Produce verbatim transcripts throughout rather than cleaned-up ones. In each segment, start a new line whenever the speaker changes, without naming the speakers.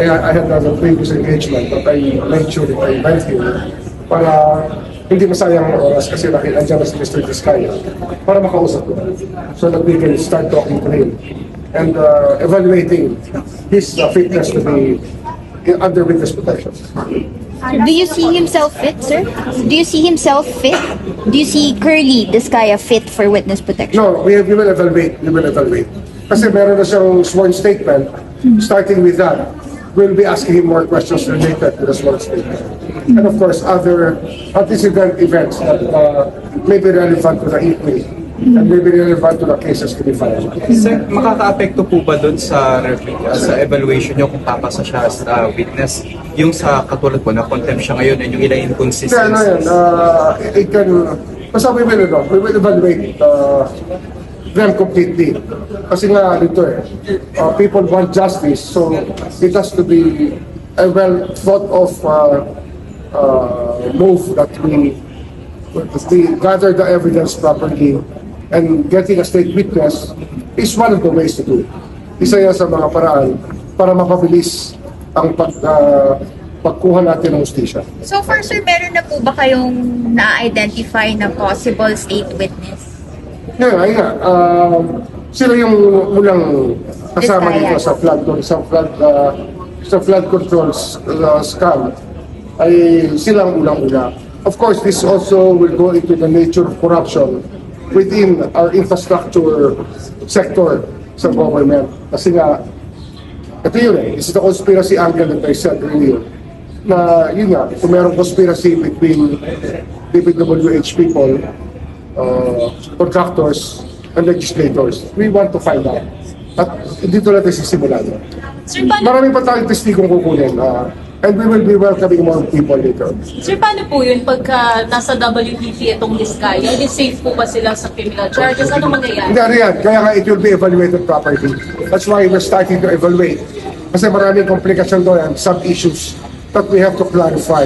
I, I had another previous engagement, but I made sure that I went here para hindi masayang ang oras kasi nakita dyan na si Mister Vizcaya para makausap ko so that we can start talking to him and uh, evaluating his uh, fitness to be under witness protection.
Do you see himself fit, sir? Do you see himself fit? Do you see Curly Vizcaya fit for witness protection?
No, we, we will evaluate. We will evaluate. Kasi meron na siyang sworn statement. Starting with that, we'll be asking him more questions related to the sworn statement. And of course, other antecedent events that uh, may be relevant to the inquiry and may be relevant to the cases to be filed.
Sir, makaka-apekto po ba doon sa uh, sa evaluation nyo kung papasa siya as uh, witness? Yung sa katulad po na contempt siya ngayon and yung ilang
Kaya ano yan,
inconsistencies?
uh, it can, basta we will, ano, we will evaluate uh, them completely. Kasi nga dito eh, uh, people want justice, so it has to be a well thought of uh, uh, move that we, we gather the evidence properly and getting a state witness is one of the ways to do it. Isa yan sa mga paraan para mapabilis ang pag, uh, pagkuha natin ng justisya.
So far, sir, meron na po ba kayong na-identify na possible state witness?
Ngayon, ayun nga, um, sila yung unang kasama
Vizcaya.
dito sa flood, sa flood, uh, sa flood control uh, scam ay sila ang unang-una. Of course, this also will go into the nature of corruption within our infrastructure sector sa government. Kasi nga, ito yun eh, it's the conspiracy angle that I said earlier. Na yun nga, kung merong conspiracy between D P W H people, uh, contractors, and legislators, we want to find out. At dito natin sisimulan.
Sir, paano,
Marami pa tayong testigong kukunin. Uh, and we will be welcoming more people later.
sir, paano po yun pagka nasa W P P itong Vizcaya? Hindi safe po ba sila sa criminal charges? Ano mangyayari?
Hindi, ano yan. Kaya nga it will be evaluated properly. That's why we're starting to evaluate. Kasi maraming komplikasyon doon and some issues that we have to clarify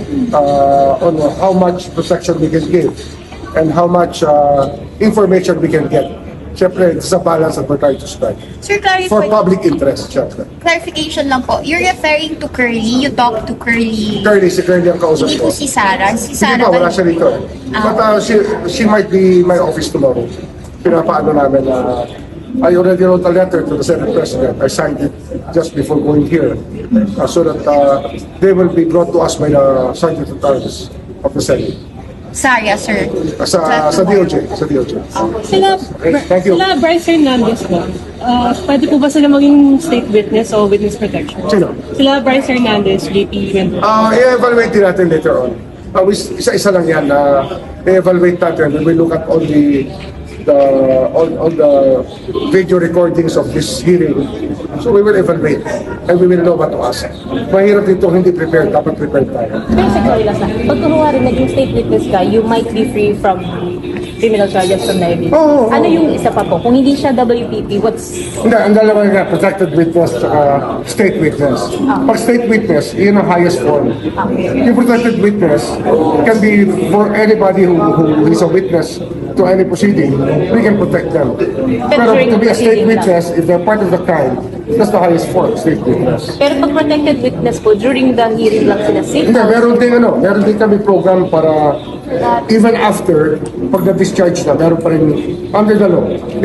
uh, on how much protection we can give and how much uh, information we can get. Siyempre, it's a balance that we're trying to strike.
Sir,
For
clarify,
public interest, siyempre.
clarification lang po. You're referring to Curly? You talk to Curly?
Curly, si Curly ang kausap
Hindi
ko.
po si Sarah. Si
Hindi
Sarah
pa,
ba-
wala siya dito. eh. But uh, she, she might be in my office tomorrow. Pinapaano namin na I already wrote a letter to the Senate President. I signed it just before going here uh, so that uh, they will be brought to us by the Sergeant at Arms of the Senate.
Sarah, sir.
Uh, sa, sa D O J. Sa D O J.
Sila,
Thank you.
sila Bryce Hernandez po, uh, pwede po ba sila maging state witness o witness protection?
Sino?
Sila Bryce Hernandez, J P Mendoza.
Uh, i-evaluate din natin later on. Uh, we- isa-isa lang yan na i-evaluate natin. We will look at all the the all, all the video recordings of this hearing. So we will evaluate and we will know what to ask. Mahirap dito hindi prepared, dapat prepared tayo.
Basically, Lasa, pag kunwari naging state witness ka, you might be free from criminal charges from liability.
Oo, oo,
Ano
oo.
yung isa pa po? Kung hindi siya W P P, what's...
Hindi, ang dalawa nga, protected witness uh, state witness. Pag state witness, yun ang highest form. Yung protected witness can be for anybody who, who is a witness to any proceeding, we can protect them. Pero
during
to be a state
proceeding lang.
witness, if they're part of the crime, that's the highest form, state witness.
Pero pag protected witness po, during the hearing lang sila safe.
Hindi, meron din ano, meron din kami program para even after, pag na-discharge na, meron pa rin under the law.